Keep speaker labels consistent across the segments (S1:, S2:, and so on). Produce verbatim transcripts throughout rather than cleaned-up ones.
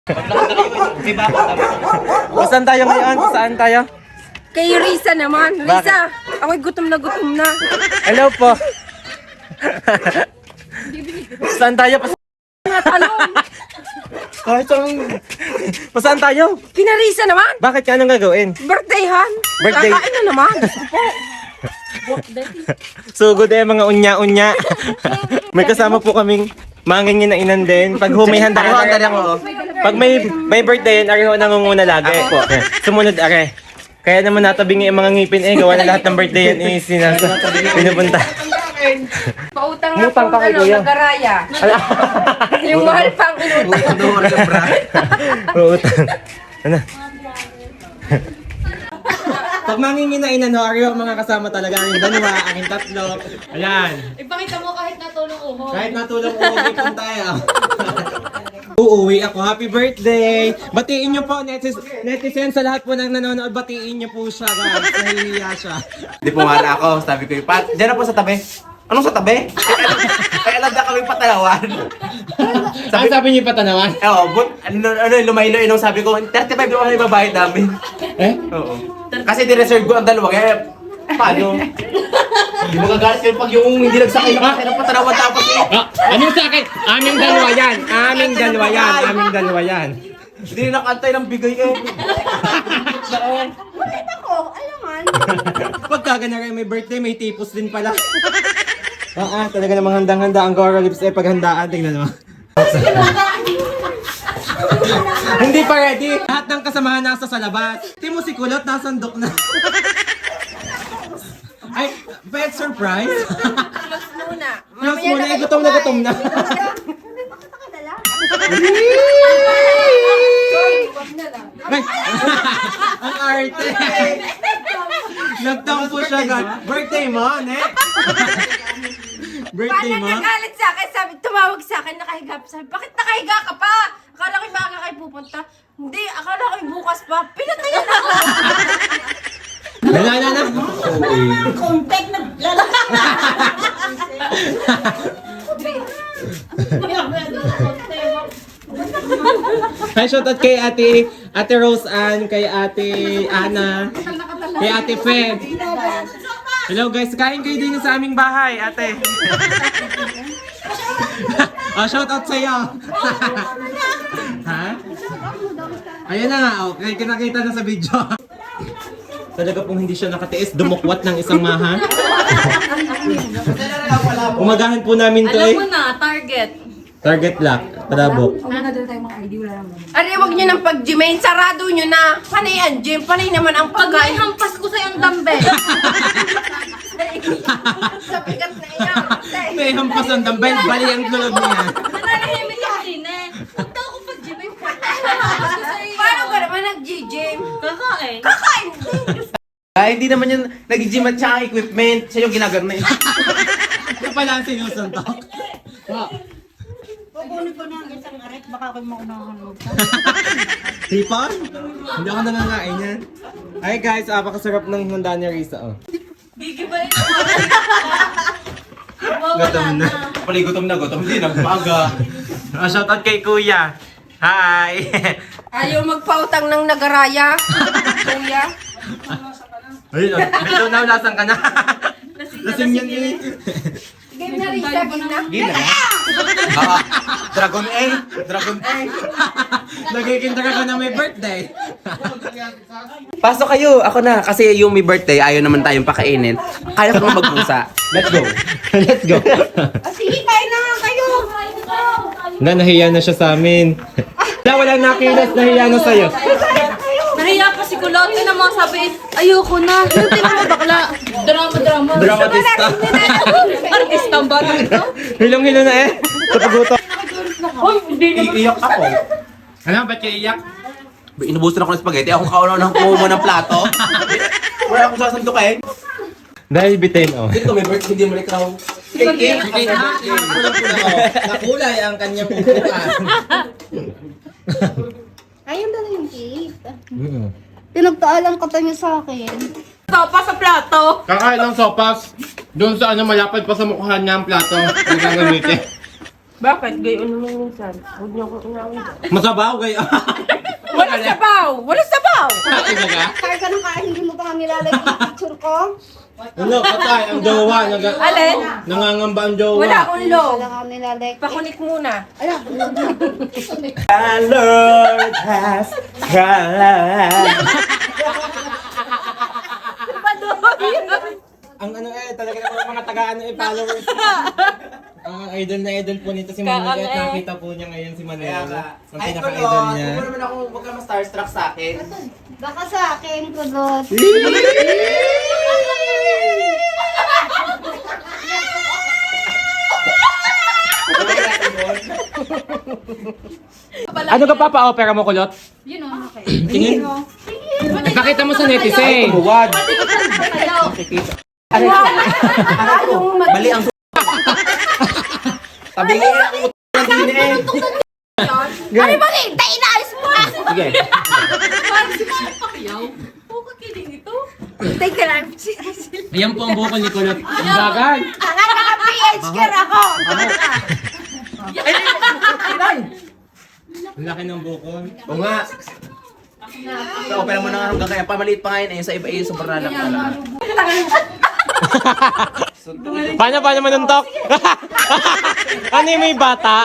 S1: Saan tayo ngayon? Saan tayo?
S2: Kay Risa naman. Risa, ako'y gutom na gutom na.
S1: Hello po. Saan tayo? Pas
S2: Talong.
S1: Kahit saan... Pasaan tayo?
S2: Kina Risa naman.
S1: Bakit ka? Anong gagawin?
S2: Birthdayhan.
S1: Birthday.
S2: Kakain na naman.
S1: Sugod eh, mga unya-unya. May kasama po kaming mangingin na inan din. Pag humihanda ka lang ako. Pag may may birthday yan, ariho nangunguna lagi. Po. Sumunod are. Kaya naman natabingi ang mga ngipin eh. Gawa na lahat ng birthday yan eh. Sinasa. Pinupunta.
S2: Pautang na
S1: Utang
S2: po,
S1: ka kay
S2: ano,
S1: Kuya.
S2: nagaraya. Yung mahal pang inutang.
S1: Utang. Ano? Pag manginginain ano, ariho mga kasama talaga. Aking dalawa, aking tatlo. Ayan.
S3: Ipakita mo kahit natulong uho.
S1: Kahit natulog uuwi po tayo. Uuwi ako. Happy birthday! Batiin niyo po, netis netizen sa lahat po ng nanonood. Batiin niyo po siya, guys. Nahihiya siya.
S4: Di pumala ako, sabi ko, Pat, dyan na po sa tabi. Anong sa tabi? Kaya alam na kami patalawan.
S1: Sabi, sabi niyo pa tanawan?
S4: Eh, oh, but, ano, ano, lumaylo inong sabi ko, thirty-five yung ano yung babayad namin.
S1: Eh?
S4: Oo. Kasi di-reserve ko ang dalawa, kaya, paano? Hindi mo gagalit kayo pag yung hindi nagsakay na kasi ng patalawan tapos eh.
S1: Ah, ano sa akin? Aming dalawa yan. Aming dalawa yan. Aming dalawa yan.
S4: Hindi na nakantay ng bigay eh.
S2: Bakit ako? Alaman.
S1: Pagka ganun may birthday, may tipos din pala. Oo, ah, talaga namang handang-handa ang Gora Lips eh paghandaan. Tingnan mo. Hindi pa ready. Lahat ng kasamahan nasa sa labas. Timo si Kulot, nasandok na. Ay, pet surprise.
S2: Close muna.
S1: Close muna, eh, gutom na gutom na. Ay, ang arte. Nagtampo siya, God. Birthday mo, ne? Birthday
S2: Paano
S1: mo?
S2: nagalit sa akin? Sabi, tumawag sa akin, nakahiga pa. Sabi, bakit nakahiga ka pa? Akala ko yung maaga kayo pupunta. Hindi, akala ko yung bukas pa. Pinatayin ako.
S1: Wala na na.
S3: Contact na lalaki.
S1: Hi, shoutout kay ate, ate Rose Ann, kay ate Ana, kay ate Fe. Hello guys, kain kayo din sa aming bahay, ate. Oh, shoutout sa'yo. Ha? Ayan na nga, okay, kinakita na sa video. Talaga pong hindi siya nakatiis, dumukwat ng isang maha. Umagahan po namin to
S3: Alam
S1: eh.
S3: mo na, target.
S1: Target lock, trabok.
S2: Ari, wag nyo ng pag-gymain. Sarado nyo na. Panay ang gym. Panay naman ang
S3: Pag may
S2: pagkain.
S3: hampas ko sa'yo ang dumbbell.
S2: Sa bigat na iyan.
S1: May hampas ang dambay, bali ang tulog niya.
S3: Nananahimik yung din eh. Punta ako pag-gym. Ay, hampas ko sa'yo.
S2: Paano ka naman nag-gym?
S3: Kakain.
S2: Kakain.
S4: Ay, hindi naman yung nag-gym at saka equipment. Siya yung ginagamit.
S1: Ito pala ang sinusuntok. Wow.
S3: Kukunin ko na ang isang aret. Baka ako'y maunahan mo.
S1: Hipon? Hindi ako nangangain yan. Ay guys, apakasarap ng handa ni Risa. Oh.
S3: Gigibay na.
S1: Gutom na.
S4: Pali gutom na gutom. Hindi, nagpaga.
S1: Oh, shoutout kay Kuya. Hi!
S2: Ayaw magpautang ng nagaraya. Kuya.
S1: Ayun, oh. Medyo naulasan ka na. Lasing yan eh.
S2: Game na rin siya. Game na.
S4: Gina na. Ah, Dragon A. Dragon A.
S1: Nagkikinta ka na may birthday.
S4: Pasok kayo. Ako na. Kasi yung may birthday, ayaw naman tayong pakainin. Kaya ko naman magpusa. Let's go.
S1: Let's go.
S2: Ah, sige, kain na nga kayo.
S1: Na, nahiya na siya sa amin. Wala, walang nakilas, nahiya na sa'yo.
S3: Nahiya pa si Kulot. Yun ang mga sabi, ayoko na. Yung tingnan mo bakla. Drama, drama.
S1: Dramatista.
S3: Artista ang bata ito.
S1: Hilong-hilo na eh. Sa paguto.
S4: Iiyak ako.
S1: Ano, ba't kayo iyak?
S4: Inubusan ako ng spaghetti. Ako kaunaw ng kumuha ng plato. Wala akong sasantok eh.
S1: Dahil bitin, oh.
S4: Dito may birthday, hindi mo ikaw. Cake, cake.
S1: Nakulay ang kanyang pupuan.
S5: Ayun na yung cake.
S1: Mm.
S5: Pinagtaalang ka pa niya sa akin.
S2: Sopa sa plato.
S1: Kakain ng sopas. Doon sa ano, malapad pa sa mukha niya ang plato. Nagagamitin.
S2: Bakit? Gayon naman minsan. Huwag niyo akong inawin.
S1: Masabaw kayo.
S2: Wala sabaw! Wala sabaw!
S5: Kaya ka nang kain, hindi mo pa kami lalagay yung picture ko.
S1: Ano, patay, ang jowa. Nag-
S2: Alin?
S1: nangangamba ang jowa.
S2: Wala akong low.
S5: Wala kami lalagay.
S2: Pakunik muna.
S1: The Lord has cried. Ang ano eh, talaga naman mga taga-ano eh, followers. Ang idol na idol po nito si Manuel. At nakita po niya ngayon si Manuel. Ang
S4: Ay,
S1: pinaka-idol
S4: kulot.
S1: niya.
S4: Huwag mo naman ako, huwag ka ma-starstruck sa akin.
S5: Baka sa akin, kulot.
S1: Ano ka papa-opera mo, Kulot?
S3: Yun o, okay.
S1: Tingin. Ipakita mo sa netizen.
S4: Tumuwad. Mali ang Sabi nga yung utang ng din eh.
S2: Ano ba hintay? Inaalis mo!
S4: Sige.
S3: Parang si Manny Pacquiao. Oo, kakiling ito.
S2: Teka lang.
S1: Ayan po ang buko ni Kulot. Ang bagay.
S2: Ang naka-P H care ako!
S1: Ang laki ng buko.
S4: Oo nga. Sa opera mo na nga hanggang kaya pamaliit pa ngayon eh. Sa iba eh, sobrang lalak pa lang.
S1: Paano, paano manuntok? Ano yung may bata?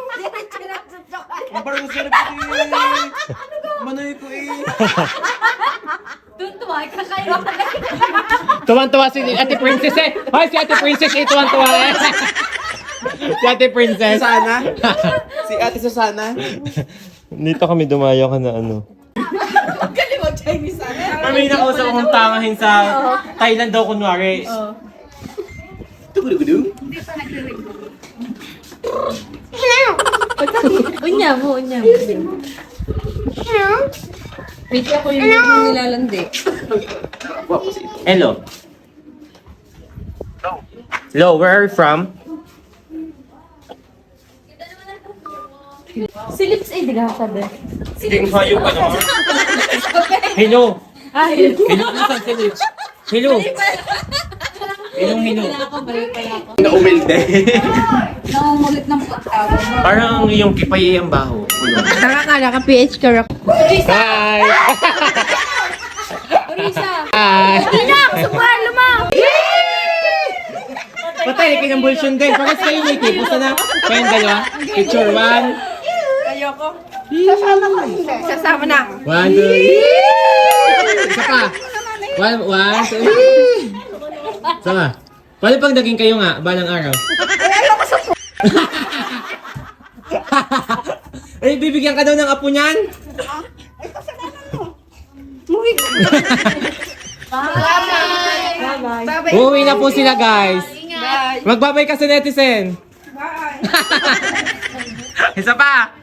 S4: Ang parang sarap ko eh. Manoy ko eh.
S3: Doon tuwa, kakayo.
S1: Tuwan-tuwa si Ate Princess eh. Hoy, si Ate Princess eh, tuwan-tuwa eh. Si Ate Princess.
S4: Susana? Si Ate Susana?
S1: Dito kami dumayo ka na ano.
S2: Galing mo, Chinese sana.
S1: May nakausap akong tangahin sa Thailand daw kunwari.
S4: Tugudugudu?
S3: Unya mo, unya mo. Wait ako yung yung nilalandi.
S1: Hello. Hello, where are you from?
S3: Si Lips eh, di ka sabi.
S1: Hindi kayo pa naman. Hello.
S3: Ay,
S1: Hello, nasan si Liz? Hello. Hello, hello.
S3: ako, balik pala ako.
S4: Naumilde.
S3: Nangungulit ng pagtawag.
S1: Parang yung kipay ang baho.
S2: Nakakala ka P H care ako.
S1: Hi!
S3: Orisa!
S1: Hi!
S2: Inak! Subuhan mo!
S1: Patay, kinambulsyon din. Parang kayo ni Kipo. Sana, kayong dalawa. Picture one.
S2: Ayoko.
S5: Sasama ka hindi.
S2: Sasama na.
S1: One, two, isa pa. One, one, two. Sama. Paano pag naging kayo nga, balang araw? Ay, bibigyan ka daw ng apo niyan?
S5: Muwi ka.
S2: Bye-bye.
S1: Uuwi na po sila, guys.
S2: Bye.
S1: Magbabay ka sa netizen.
S2: Bye.
S1: Isa pa.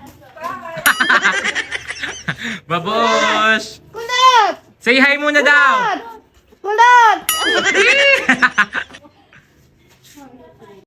S1: Babosh!
S5: Kulot!
S1: Say hi muna daw!
S5: Kulot!